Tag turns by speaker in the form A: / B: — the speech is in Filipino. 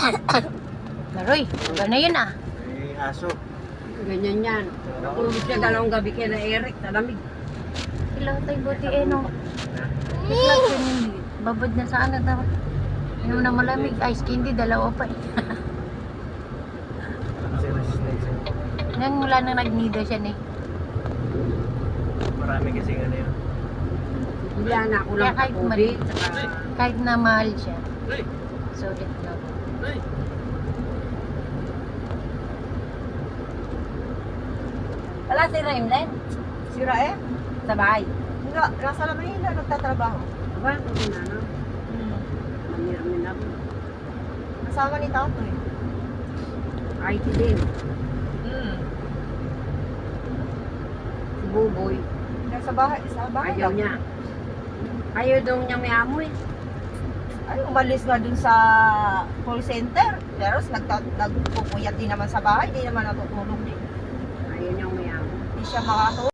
A: Laroy, gana yun ah.
B: May aso.
C: Ganyan yan. Natulog siya dalawang gabi kaya na Eric, talamig.
A: Ilaw tayo buti eh no. Itlog yun yun. Babad na sa ano daw. Ano na malamig. Ice candy, dalawa pa eh.
B: Kasi resistance.
A: Nang mula nang nagnido siya eh.
B: Marami kasi ano yun.
C: Hindi na ako
A: Kaya
C: lang
A: kahit
C: COVID.
A: maliit,
C: Saka,
A: kahit na mahal siya.
B: Hey!
A: Sulit lang.
B: Hey!
C: wala si Raimlen.
D: Si Rae?
C: Sa bahay.
D: Nga, nasa Manila, nagtatrabaho.
C: Aba, kung na no. Maniramin ako.
D: Kasama ni Tato eh.
C: IT din. Si Buboy.
D: Sa bahay
C: Ayaw
D: lang.
C: niya. Ayaw daw niya may amoy.
D: Ay, umalis nga dun sa call center. Pero nagpupuyat din naman sa bahay, di naman natutulog din.
C: Ayaw niya may amoy.
D: Di siya makatulog.